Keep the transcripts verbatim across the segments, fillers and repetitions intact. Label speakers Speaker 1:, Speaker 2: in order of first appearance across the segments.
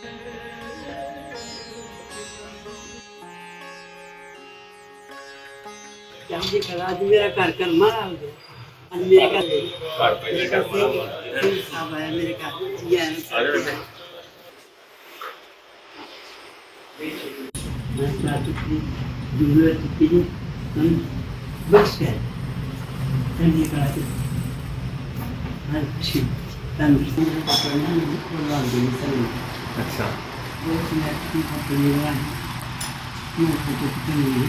Speaker 1: जल्दी करा आज मेरा घर कर मारा दो आज मेरे घर
Speaker 2: घर पे क्या
Speaker 1: फिर साहब आया मेरे घर ये है मैं बात की जरूरत थी हम बस कर जल्दी करा दो हाँ खुशी तंदुरुस्ती में करना है और लाल दिन सही
Speaker 2: अच्छा
Speaker 1: वो मैं की फोटो ले रहा हूँ ये फोटो कितनी है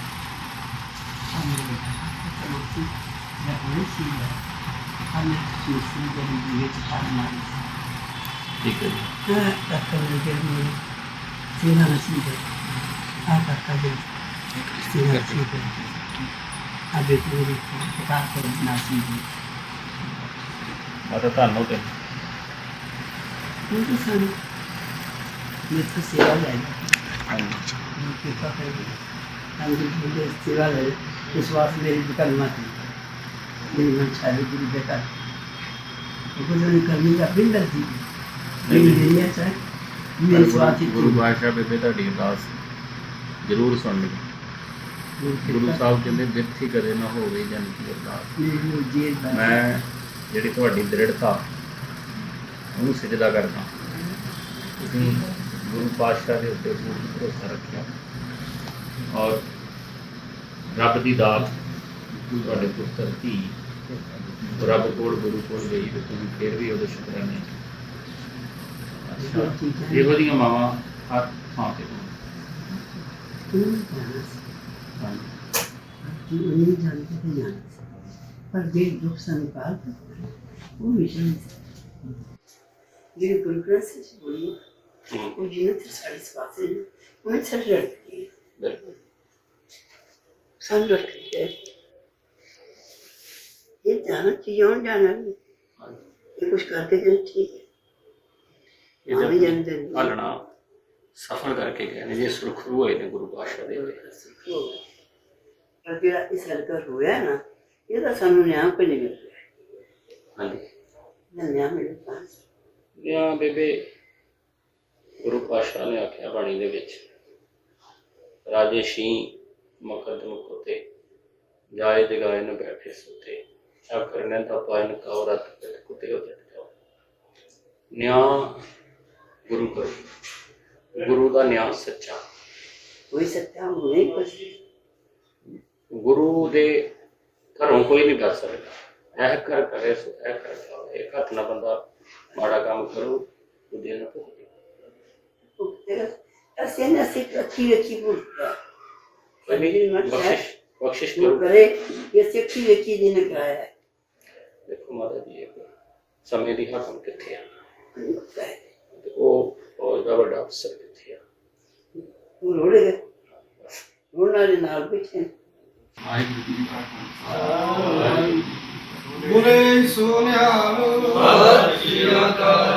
Speaker 1: हमने चलो सी या कोई सी है हमने सूसी जब ये चिताना
Speaker 2: ठीक है
Speaker 1: हाँ तब के लिए सीधा नसीब है आप का जो सीधा नसीब है अभी पूरी पता कर नसीब है
Speaker 2: माता ਤੁਹਾਨੂੰ ਤੇ
Speaker 1: उनके सामने मैं तो सेवा जाएगा
Speaker 2: ਹਾਂਜੀ
Speaker 1: उनके पास हम जो सेवा ले विश्वास मेरी दुकान मत मेरी मन सारी पूरी बेकार वो जो करने का बिंदर थी मेरी दुनिया चाहे मेरे स्वार्थ ही
Speaker 2: ਗੁਰੂ ਬਾਦਸ਼ਾਹ ਬੇਬੇ ਤੁਹਾਡੀ ਅਰਦਾਸ ਜ਼ਰੂਰ ਸੁਣ ਲਈ ਗੁਰੂ ਸਾਹਿਬ ਕਹਿੰਦੇ ਬਿਰਥੀ ਕਦੇ ਨਾ ਹੋਵੇ ਜਨ ਕੀ ਅਰਦਾਸ
Speaker 1: मेरी जेल में
Speaker 2: ਮੈਂ ਜਿਹੜੀ ਤੁਹਾਡੀ ਦ੍ਰਿੜਤਾ ਉਹਨੂੰ ਸਿਜਦਾ ਕਰਦਾ ਤੁਸੀਂ ਗੁਰੂ ਪਾਤਸ਼ਾਹ ਦੇ ਉੱਤੇ ਪੂਰਨ ਭਰੋਸਾ ਰੱਖਿਆ ਔਰ ਰੱਬ ਦੀ ਦਾਤ ਤੁਹਾਡੇ ਪੁੱਤਰ ਧੀ ਰੱਬ ਕੋਲ ਗੁਰੂ ਕੋਲ ਗਈ ਤੇ ਤੁਸੀਂ ਫਿਰ ਵੀ ਉਹਦੇ ਸ਼ੁਕਰਾਨੇ ਅੱਛਾ ਇਹੋ ਜਿਹੀਆਂ ਮਾਵਾਂ ਹਰ ਥਾਂ ਤੇ ਹੋਣ ਹਾਂਜੀ
Speaker 1: नहीं जानते थे जाना पर जे दुख संपाल वो विषय ये गुरुग्रंथ से बोली वो जिन्हें थे सारी स्वास्थ्य उन्हें सब लड़ गई
Speaker 2: ਬਿਲਕੁਲ
Speaker 1: सब लड़ गई ये जाना चाहिए और जाना नहीं ये कुछ करके जाए ठीक है
Speaker 2: ਇਹ
Speaker 1: आने जाने देने
Speaker 2: ਪਾਲਣਾ ਸਫਰ ਕਰਕੇ ਗਏ ਨੇ ਜੇ ਸੁਰਖਰੂ ਹੋਏ ਨੇ ਗੁਰੂ ਪਾਤਸ਼ਾਹ ਦੇ
Speaker 1: और जेड़ा इस हल्का होया ना ये तो सानू न्याय को नहीं मिल रहा
Speaker 2: ਹਾਂਜੀ
Speaker 1: ना न्याय मिल पास
Speaker 2: ਜਾਂ ਬੇਬੇ ਗੁਰੂ ਪਾਤਸ਼ਾਹ ਨੇ ਆਖਿਆ ਬਾਣੀ ਦੇ ਵਿੱਚ ਰਾਜੇ ਸ਼ੀ ਮੁਕੱਦਮ ਕੋਤੇ ਜਾਏ ਜਗਾਏ ਨ ਬੈਠੇ ਸੁਤੇ ਆ ਕਰਨੇ ਦਾ ਪਾਇਨ ਕਾਉ ਰਤ ਪਿਤ ਕੁਤੇ ਹੋ ਜਾਓ ਨਿਆਂ ਗੁਰੂ ਕਰ ਗੁਰੂ ਦਾ ਨਿਆਂ ਸੱਚਾ
Speaker 1: कोई सत्या नहीं कुछ
Speaker 2: ਗੁਰੂ ਦੇ ਘਰੋਂ ਕੋਈ ਨਹੀਂ ਕਰ ਸਕਦਾ ਇਹ ਕਰ ਕਰੇ ਸੋ ਇਹ ਕਰ ਜਾਵੇ ਇੱਕ ਹੱਥ ਨਾਲ ਬੰਦਾ ਮਾੜਾ ਕੰਮ ਕਰੂ ਉਹਦੇ ਨਾਲ ਭੁਗਤੇ
Speaker 1: ऐसे न सिर्फ अच्छी अच्छी बोलता
Speaker 2: ਕੋਈ ਨਹੀਂ ਬਖਸ਼ਿਸ਼ ਬਖਸ਼ਿਸ਼
Speaker 1: वो
Speaker 2: ਕਰੋ
Speaker 1: करे ये सिर्फ अच्छी अच्छी दिन कराया है
Speaker 2: ਦੇਖੋ ਮਾਤਾ ਜੀ ਇਹ ਸਮੇਂ ਦੀ ਹਾਕਮ ਕਿੱਥੇ ਆ
Speaker 1: होता है
Speaker 2: ਤੇ ਉਹ ਫੌਜ ਦਾ ਵੱਡਾ ਅਫਸਰ ਕਿੱਥੇ ਆ
Speaker 1: वो रोड़े गए रोड़ना के नाल बैठे
Speaker 3: ਬੁਰੇ ਸੋਨਿਆਲ ਸਤਿ ਸ਼੍ਰੀ ਅਕਾਲ